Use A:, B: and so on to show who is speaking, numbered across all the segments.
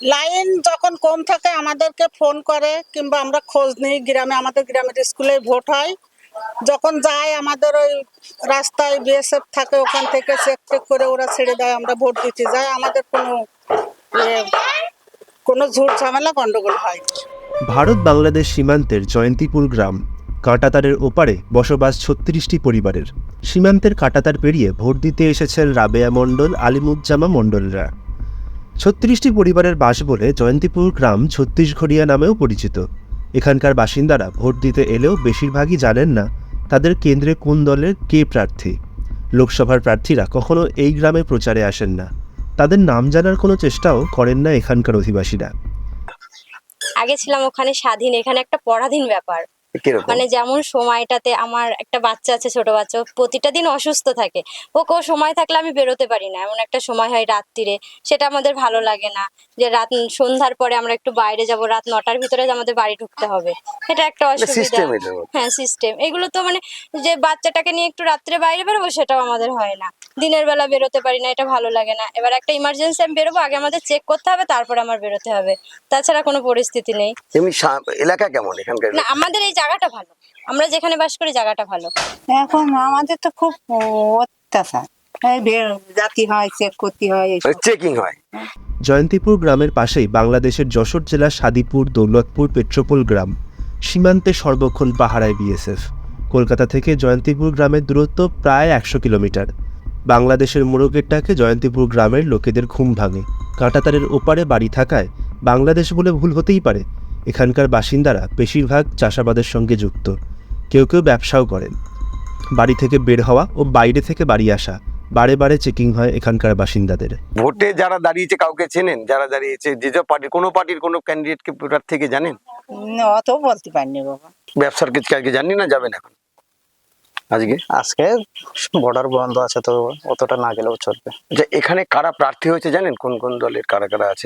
A: Line যখন কম থাকে আমাদেরকে ফোন করে কিংবা আমরা খোঁজ নিই গ্রামে, আমাদের গ্রামের স্কুলে ভোট হয়, যখন যায় আমাদের ওই রাস্তায় বিএসএফ থাকে, ওখান থেকে চেক টেক করে ওরা ছেড়ে দেয়, আমরা ভোট দিতে যাই। আমাদের কোনো ঝুট ঝামেলা গন্ডগোল হয় না।
B: ভারত বাংলাদেশ সীমান্তের জয়ন্তীপুর গ্রাম, কাঁটাতারের ওপারে বসবাস ৩৬টি পরিবারের। সীমান্তের কাঁটাতার পেরিয়ে ভোট দিতে এসেছেন রাবেয়া মণ্ডল, আলিমুজ্জামা মণ্ডলরা। ৩৬টি পরিবারের বাস বলে জয়ন্তীপুর গ্রাম ছত্তিশঘড়িয়া নামেও পরিচিত। এখানকার বাসিন্দারা ভোট দিতে এলেও বেশিরভাগই জানেন না তাদের কেন্দ্রে কোন দলের কে প্রার্থী। লোকসভার প্রার্থীরা কখনো এই গ্রামে প্রচারে আসেন না, তাদের নাম জানার কোনো চেষ্টাও করেন না এখানকার অধিবাসীরা।
C: আগে ছিলাম ওখানে স্বাধীন, এখানে একটা পরাধীন ব্যাপার। মানে যেমন সময়টাতে আমার একটা বাচ্চা আছে, ছোট বাচ্চা, প্রতিটা দিন অসুস্থ থাকে, ওকে সময় থাকলে আমি বেরোতে পারি না। এমন একটা সময় হয় রাত্রিরে, সেটা আমাদের ভালো লাগে না যে রাত সন্ধ্যার পরে আমরা একটু বাইরে যাব, রাত 9টার ভিতরে আমাদের বাড়ি ঢুকতে হবে, এটা একটা অসুবিধা। হ্যাঁ, সিস্টেম এগুলো তো মানে যে বাচ্চাটাকে নিয়ে একটু রাত্রে বাইরে বেরোবো সেটাও আমাদের হয় না, দিনের বেলা বেরোতে পারি না, এটা ভালো লাগে না। এবার একটা ইমার্জেন্সি আমি বেরোবো, আগে আমাদের চেক করতে হবে, তারপর আমার বেরোতে হবে, তাছাড়া কোনো পরিস্থিতি নেই।
D: এলাকা কেমন এখানকার?
C: না, আমাদের এই জায়গাটা ভালো, আমরা যেখানে বাস করি জায়গাটা ভালো।
E: এখন আমাদের তো খুব অত্যাচার, জাতি হয়, চেক করতে হয়,
D: চেকিং হয়।
B: জয়ন্তীপুর গ্রামের পাশেই বাংলাদেশের যশোর জেলার সাদিপুর, দৌলতপুর, পেট্রোপোল গ্রাম। সীমান্তে সর্বক্ষণ পাহারায় বিএসএফ। কলকাতা থেকে জয়ন্তীপুর গ্রামের দূরত্ব প্রায় 100 কিলোমিটার। বাংলাদেশের মোড়কের ডাকে জয়ন্তীপুর গ্রামের লোকেদের ঘুম ভাঙে। কাঁটাতারের ওপারে বাড়ি থাকায় বাংলাদেশ বলে ভুল হতেই পারে। এখানকার বাসিন্দারা বেশিরভাগ চাষাবাদের সঙ্গে যুক্ত, কেউ কেউ ব্যবসাও করেন। বাড়ি থেকে বের হওয়া ও বাইরে থেকে বাড়ি আসা বারে বারে চেকিং হয় এখানকার বাসিন্দাদের।
D: ভোটে যারা দাঁড়িয়েছে কাউকে চেনেন? যারা দাঁড়িয়েছে যে পার্টির কোনো ক্যান্ডিডেটকে থেকে জানেন?
E: অত বলতে পারিনি বাবা।
D: ব্যবসার কিছু কাউকে জানি না, যাবেন এখন
F: আজকে বর্ডার বন্ধ আছে, তো অতটা না গেলেও চলবে।
D: যে এখানে কারা প্রার্থী হয়েছে জানেন? কোন কোন দলের কারা কারা আছে,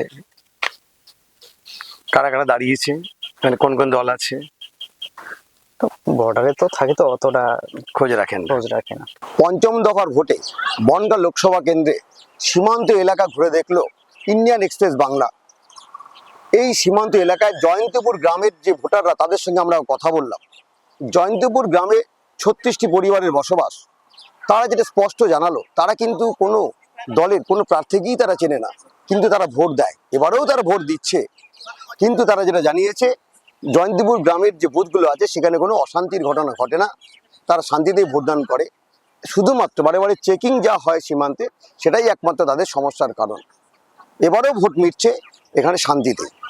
D: কারা কারা দাঁড়িয়েছে, মানে কোন কোন দল আছে?
F: বর্ডারে তো থাকে, তো অতটা
D: খোঁজ রাখে
F: না।
D: পঞ্চম দফার ভোটে বনগাঁ লোকসভা কেন্দ্রে সীমান্ত এলাকা ঘুরে দেখলো ইন্ডিয়ান এক্সপ্রেস বাংলা। এই সীমান্ত এলাকায় জয়ন্তীপুর গ্রামের যে ভোটাররা, তাদের সঙ্গে আমরা কথা বললাম। জয়ন্তীপুর গ্রামে 36টি পরিবারের বসবাস। তারা যেটা স্পষ্ট জানালো, তারা কিন্তু কোনো দলের কোনো প্রার্থীকেই তারা চেনে না, কিন্তু তারা ভোট দেয়, এবারেও তারা ভোট দিচ্ছে। কিন্তু তারা যেটা জানিয়েছে, জয়ন্তীপুর গ্রামের যে বুথগুলো আছে সেখানে কোনো অশান্তির ঘটনা ঘটে না, তারা শান্তিতেই ভোটদান করে। শুধুমাত্র বারে বারে চেকিং যা হয় সীমান্তে, সেটাই একমাত্র তাদের সমস্যার কারণ। এবারেও ভোট মিটছে এখানে শান্তিতে।